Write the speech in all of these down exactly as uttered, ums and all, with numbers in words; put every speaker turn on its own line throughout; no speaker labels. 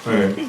네.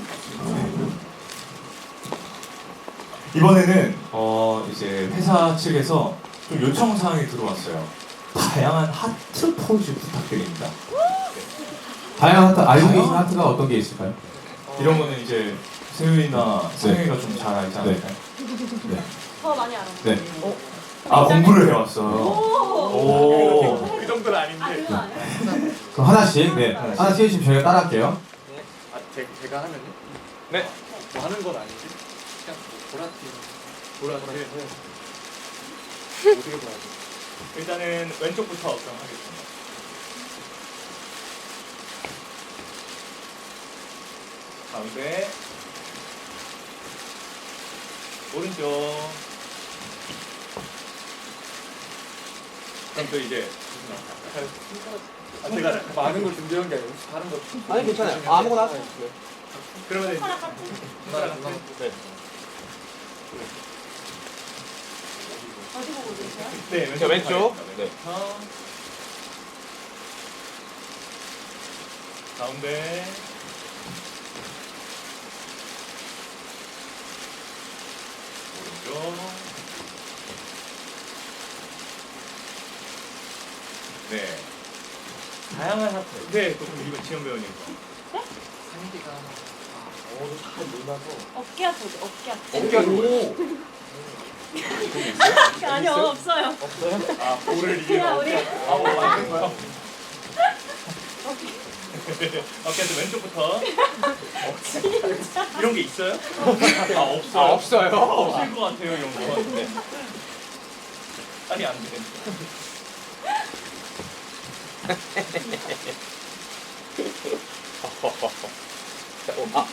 이번에는 어 이제 회사 측에서 좀 요청 사항이 들어왔어요. 다양한 하트 포즈 부탁드립니다.
다양한 하트, 알고
다양한-
계신 하트가 어떤 게 있을까요?
이런 거는 이제 세윤이나 상영이가 좀 잘 알지 않을까요?
더 많이 알아요.
네.
아 공부를 해왔어요.
오.
오.
그 정도는
아
아닌데.
그거 아니야?
그럼 하나씩, 네.
하나씩.
하나씩 해주시면 저희가 따라할게요.
아, 제, 제가 하면요?
네.
뭐 하는 건 아니지? 그냥 뭐 보라티. 보라티. 어떻게 보라티? 일단은 왼쪽부터 그럼 하겠습니다. 가운데. 오른쪽. 그럼 또 이제 아, 제가 많은 걸 준비한 게 아니고 혹시 다른 거
아니 괜찮아요. 아, 아무거나 하세요.
그러면 이제
손가락 같은.
손가락 같은 네.
어디 보고 계세요?
네,
자, 왼쪽.
네. 가운데. 오른쪽. 네. 다양한 하트. 네, 그럼 이거 지원 배우님 거. 상기가 어, 잘 몰라서.
어깨 아프죠? 어깨 아프.
어깨가 오.
아니요 없어요.
없어요? 아, 볼을 이기는
그냥
어깨.
우리-
아, 뭐 만든 거야? 어깨한테 왼쪽부터. 이런 게 있어요? 아, 없어요.
아, 없어요?
없을 것 같아요, 이런 거. 네. 아니, 안 돼.
아,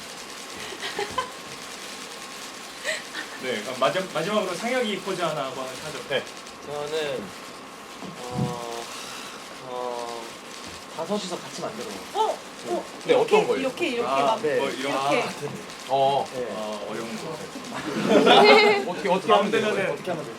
네, 그럼 마지, 마지막으로 상혁이 포즈 하나 하고 하죠. 네.
저는 어, 어 다섯이서 같이 만들어.
어? 어?
네,
이렇게?
어떤 걸요?
이렇게 이렇게
아,
막
네. 뭐 이런
이렇게.
어,
아, 어려운 거.
어떻게 어떻게
다음
하면 돼요?
때는
어떻게 하면 돼요?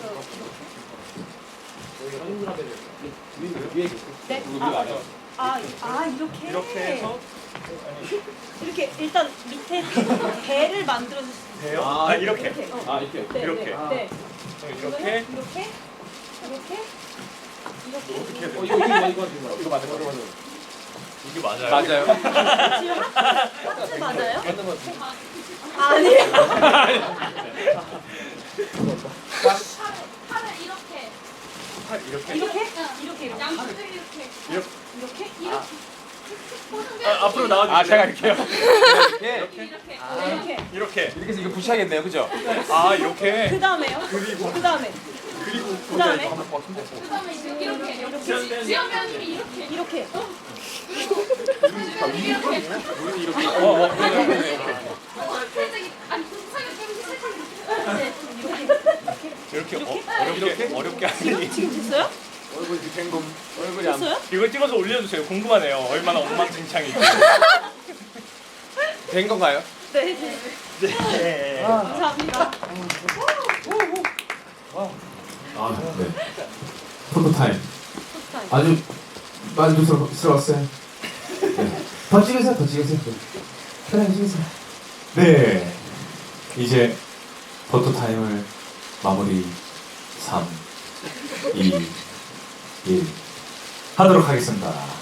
네? 아, 아, 아 이렇게.
이렇게 해서
이렇게 일단 밑에 배를 만들어 주세요.
돼요?
아,
아, 이렇게.
이렇게. 어.
아, 이렇게.
네,
이렇게.
네.
아.
네.
그럼
이거는
이렇게.
이렇게. 이렇게. 이렇게.
어떻게 해야
어,
돼요?
이거 이거 이거 이거
이거 맞아요? 이거 맞아요? 이게 맞아요?
맞아요.
지금 하트, 하트 맞아요?
맞는 거 같아요.
아니에요.
팔을 이렇게
팔 이렇게.
이렇게? 이렇게 이렇게.
양쪽을 이렇게
이렇게.
이렇게?
이렇게 포승
아, 앞으로 나와주세요.
아, 제가 이렇게요. 이렇게
이렇게
이렇게.
이렇게.
이렇게 해서 이거 붙여야겠네요, 그죠?
아, 이렇게.
그 다음에요?
그리고.
그 다음에.
그리고
그 다음에.
한번 더 힘내.
그다음에 이렇게 이렇게
이렇게.
지연 배우님이 이렇게
이렇게.
이렇게
우리 이렇게. 어, 어, 네, 네, 네, 네.
살짝 아니 살짝 살짝
네. 이렇게.
이렇게 어, 어렵게 어렵게 하니.
지금 됐어요?
얼굴 댕금. 얼굴이 안
됐어요?
이걸 찍어서 올려주세요. 궁금하네요. 얼마나 엉망진창인지.
된 건가요?
네. 네.
네.
감사합니다.
아, 네. 포토타임.
포스타임.
아주 만족스러웠어요. 네. 더 찍으세요, 더 찍으세요. 편하게 찍으세요.
네. 이제 포토 타임을 마무리 삼, 이, 일 하도록 하겠습니다.